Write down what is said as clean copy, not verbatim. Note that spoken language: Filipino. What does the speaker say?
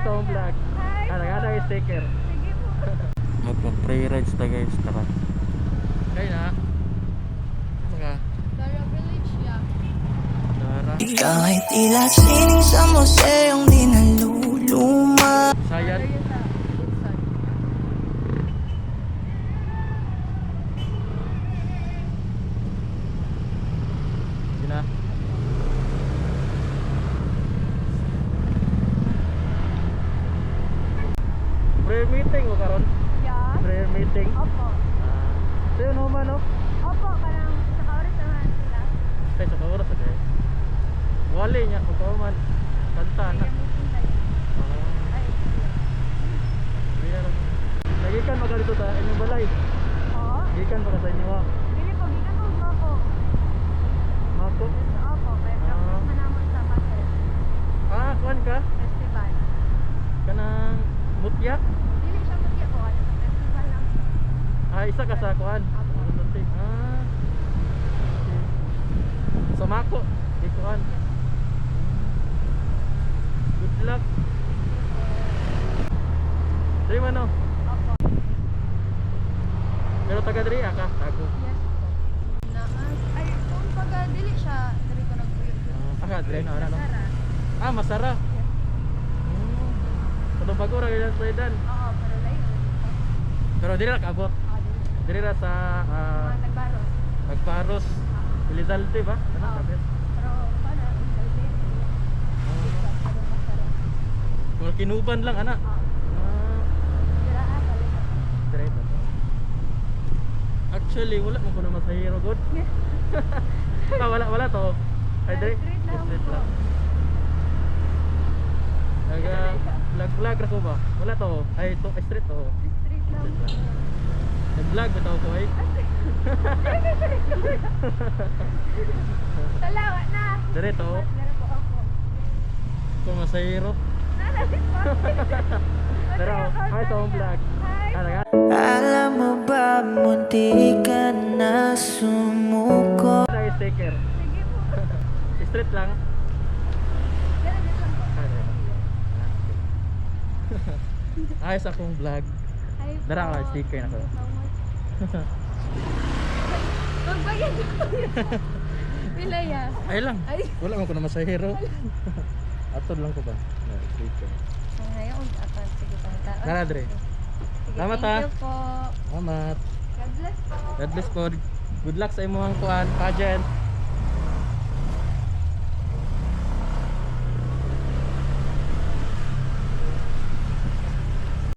sa akong vlog. Nagana yung sticker. Sige po. Magpa-free rides na guys. Tara. Kaya na. Mga Dara Village, yeah. Dara. Ikaw ay tila sining sa museong di naluluma. Sayan. Dara yun sa Woodson. Yun na. Prayer meeting o karon? Yeah. Prayer meeting. Opo. Sa'yo naman no? Opo, parang sa kaurit naman sila. Kaya sa kauras sa kaya. Wali niya kung kauman. Kanta na. Kaya meeting tayo. Ay, Nagikan maka dito sa inyong balay. oo. Nagikan maka sa inyo ha. Dili po, gikan po po. Mako. Opo, kaya practice man naman sa Pasel Kuan ka? Festival. Kanang mutya? Dili siya magya po, ano sa festival lang. Isa ka sa kuan. Apo. Okay. Sa Mako. Di kuan. Good luck. Dari mana? Opo. Pero taga diri ka? Tago. Yes po. Ay, kung pagka dili siya, dili ko nagpuyo. Diri na ano? Sara. Masara. Yes. Kadong bago ra gyud sa idan. Oo, pero layo. Pero diri ra kaabot. Dili. Diri ra sa Mga nagbaros. Pagparos. Elizalde ba? Ano Oo. sabi? Pero, paano? Salve. Pero masarap. Kung kinuban lang ana. Oo. Sira kalina. Dire ba? Actually wala mo kuno masahiro god. Wala to. Ay dire. Street lang Street po. lang. Naga vlog ra ko ba? Wala to. Ay to street to. Street lang po. Nag-vlog ba to ko ay? Salawa na. Dire to. Meron po ako. Kung masahiro. Nalapit po. Pero hi sa akong vlog. Hi. Talaga. Alam mo ba, munti ka na sumuko. Ay sticker. Sige po. Street lang. Ganun lang po. Ay sa akong vlog. Hi po. Dara ka sticker na ko. Thank you so much. Magbayad ko. Pila ya? Ay lang. Ay. Wala man ko na masahiro. Atod lang ko ba? Na sticker. Ngayon, apan. Sige pa. Dara dire. Salamat, ha. Thank you po. Salamat. God bless po. God bless po. Good luck sa imong kuan pageant.